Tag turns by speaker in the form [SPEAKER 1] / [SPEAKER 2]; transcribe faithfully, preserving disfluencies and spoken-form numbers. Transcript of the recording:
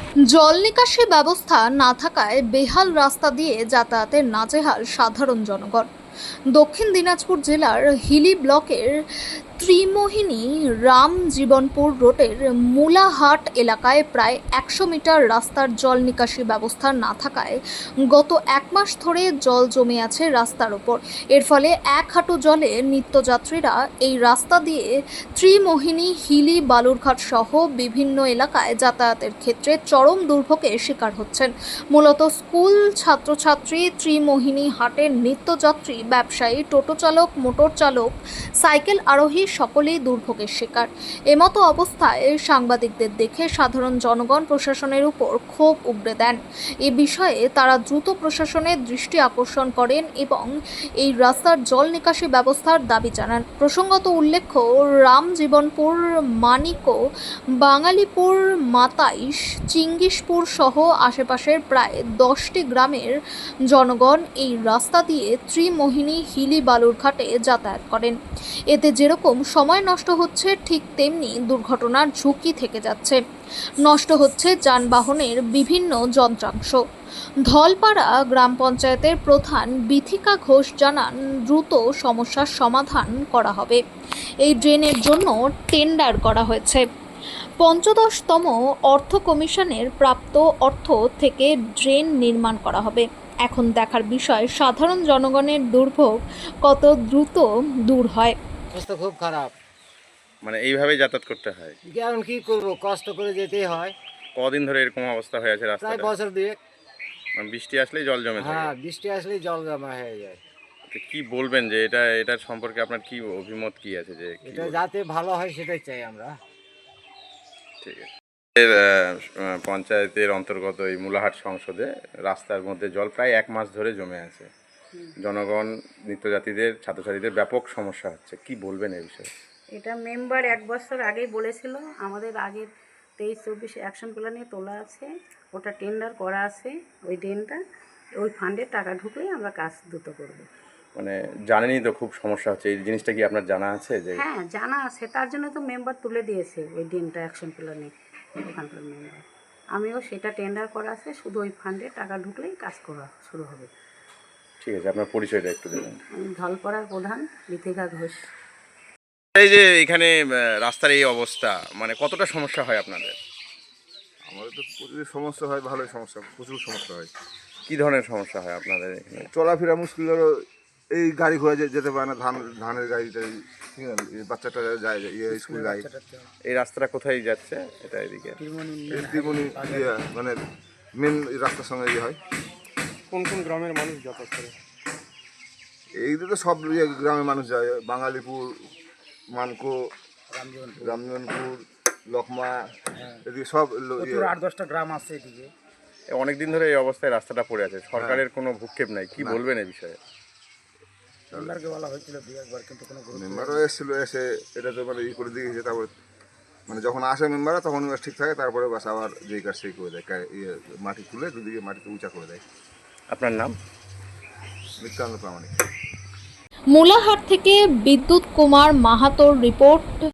[SPEAKER 1] জল নিকাশি ব্যবস্থা না থাকায় বেহাল রাস্তা দিয়ে যাতায়াতের নাজেহাল সাধারণ জনগণ। দক্ষিণ দিনাজপুর জেলার হিলি ব্লকের ত্রিমোহিনী রামজীবনপুর রোডের মুলাহাট এলাকায় প্রায় একশো মিটার রাস্তার জল নিকাশি ব্যবস্থা না থাকায় গত এক মাস ধরে জল জমে আছে রাস্তার ওপর। এর ফলে এক হাঁটু জলে নিত্যযাত্রীরা এই রাস্তা দিয়ে ত্রিমোহিনী হিলি বালুরঘাট সহ বিভিন্ন এলাকায় যাতায়াতের ক্ষেত্রে চরম দুর্ভোগের শিকার হচ্ছেন। মূলত স্কুল ছাত্রছাত্রী, ত্রিমোহিনী হাটের নিত্যযাত্রী, ব্যবসায়ী, টোটো চালক, মোটর চালক, সাইকেল আরোহী সকলেই দুর্ভোগের শিকার। এমতো অবস্থায় সাংবাদিকদের দেখে সাধারণ জনগণ প্রশাসনের উপর ক্ষোভ উগরে দেন। এ বিষয়ে তারা দ্রুত প্রশাসনের দৃষ্টি আকর্ষণ করেন এবং এই রাস্তার জল নিকাশি ব্যবস্থার দাবি জানান। প্রসঙ্গত উল্লেখ্য, রামজীবনপুর, মানিকো, বাঙালিপুর, মাতাইশ, চিঙ্গিসপুর সহ আশেপাশের প্রায় দশটি গ্রামের জনগণ এই রাস্তা দিয়ে ত্রিমোহিনী হিলি বালুরঘাটে যাতায়াত করেন। এতে যেরকম সময় নষ্ট হচ্ছে, ঠিক তেমনি দুর্ঘটনার ঝুঁকি থেকে যাচ্ছে। নষ্ট হচ্ছে যানবাহনের বিভিন্ন যন্ত্রাংশ। ধলপাড়া গ্রাম পঞ্চায়েতের প্রধান বিথিকা ঘোষ জানান, দ্রুত সমস্যার সমাধান করা হবে। এই ড্রেনের জন্য টেন্ডার করা হয়েছে। পঞ্চদশতম অর্থ কমিশনের প্রাপ্ত অর্থ থেকে ড্রেন নির্মাণ করা হবে। এখন দেখার বিষয় সাধারণ জনগণের দুর্ভোগ কত দ্রুত দূর হয়।
[SPEAKER 2] অবস্থা খুব খারাপ।
[SPEAKER 3] মানে এইভাবেই যাতায়াত করতে হয়।
[SPEAKER 2] এখন কি করবো, কষ্ট করে যেতেই হয়।
[SPEAKER 3] কদিন ধরে এরকম অবস্থা হয়ে আছে
[SPEAKER 2] প্রায়
[SPEAKER 3] রাস্তাটা?
[SPEAKER 2] বছর দুয়েক।
[SPEAKER 3] মানে বৃষ্টি আসলেই জল জমে থাকে।
[SPEAKER 2] হ্যাঁ, বৃষ্টি আসলেই জল জমা হয়ে যায়।
[SPEAKER 3] তো কি বলবেন যে এটা এটার সম্পর্কে আপনার কি অভিমত কি আছে যে কি
[SPEAKER 2] এটা
[SPEAKER 3] বলবেন?
[SPEAKER 2] যাতে ভালো হয় সেটাই চাই আমরা।
[SPEAKER 3] ঠিক আছে। এর, আহ, পঞ্চায়েতের অন্তর্গত এই মুলাহাট সংসদে রাস্তার মধ্যে জল প্রায় এক মাস ধরে জমে আছে। জনগণ, নিত্যযাত্রীদের, ছাত্রছাত্রীদের ব্যাপক সমস্যা হচ্ছে। কি বলবেন এই বিষয়ে?
[SPEAKER 4] এটা মেম্বার এক বছর আগেই বলেছিল, আমাদের আগের তেইশ চব্বিশ অ্যাকশন প্ল্যান নিয়ে তোলা আছে, ওটা টেন্ডার করা আছে। ওই ড্রেনটা ওই ফান্ডে টাকা ঢুকলেই আমরা কাজ দ্রুত করব।
[SPEAKER 3] মানে জানেনই তো খুব সমস্যা হচ্ছে, এই জিনিসটা কি আপনার জানা আছে যে?
[SPEAKER 4] হ্যাঁ, জানা আছে, তার জন্য তো মেম্বার তুলে দিয়েছে ওই ড্রেনটা অ্যাকশন প্ল্যানে, ওখানকার মেম্বার। আমিও সেটা টেন্ডার করা আছে, শুধু ওই ফান্ডে টাকা ঢুকলেই কাজ করা শুরু হবে।
[SPEAKER 3] ঠিক আছে, আপনার পরিচয়টা একটু দেবেন।
[SPEAKER 4] আমি ধলপাড়ার প্রধান বিথিকা ঘোষ।
[SPEAKER 3] এই যে এখানে আহ, রাস্তার এই অবস্থা, মানে কতটা সমস্যা হয় আপনাদের?
[SPEAKER 5] আমাদের তো প্রচুর সমস্যা হয়, ভালোই সমস্যা, প্রচুর সমস্যা হয়।
[SPEAKER 3] কি ধরনের সমস্যা হয় আপনাদের এখানে?
[SPEAKER 5] চলাফেরা মুশকিল, ধরো এই গাড়ি ঘোড়া যে- যেতে পারে না, ধান ধানের গাড়িটা, ঠিক আছে, এই বাচ্চাটা যায় ইয়ে স্কুল গাড়ি।
[SPEAKER 3] এই রাস্তাটা কোথায় যাচ্ছে? এটা এদিকে
[SPEAKER 5] এই ত্রিমণি ইয়ে মানে মেন রাস্তার সঙ্গে ইয়ে হয়।
[SPEAKER 6] কোন কোন গ্রামের মানুষ যাতায়াত করে?
[SPEAKER 5] এইদিকে তো সব ইয়ে গ্রামের মানুষ যায়, বাঙালিপুর, মানকো, রামজীবনপুর, লকমা, এদিকে সব লো- ইয়ে
[SPEAKER 2] আট দশটা গ্রাম আছে এদিকে।
[SPEAKER 3] অনেক দিন ধরে এই অবস্থায় রাস্তাটা পড়ে আছে। সরকারের কোনো ভূক্ষেপ নাই। কি বলবেন এই বিষয়ে?
[SPEAKER 2] মেম্বারকে বলা হয়েছিল দুই একবার, কিন্তু কোনো গুরুত্ব
[SPEAKER 5] মেম্বারও এসেছিলো, এসে এটা তো মানে ই করে দিয়ে গেছে। তারপর মানে যখন আসে মেম্বাররা তখন বাস ঠিক থাকে, তারপরে বাস আবার যেই কাজ সেই করে দেয়, কা- ইয়ে মাটি তুলে দুদিকে মাটিতে উঁচা করে দেয়।
[SPEAKER 3] আপনার নাম?
[SPEAKER 5] নিত্যানন্দ প্রামাণিক।
[SPEAKER 1] মুলাহাট থেকে বিদ্যুৎ কুমার মাহাতোর রিপোর্ট।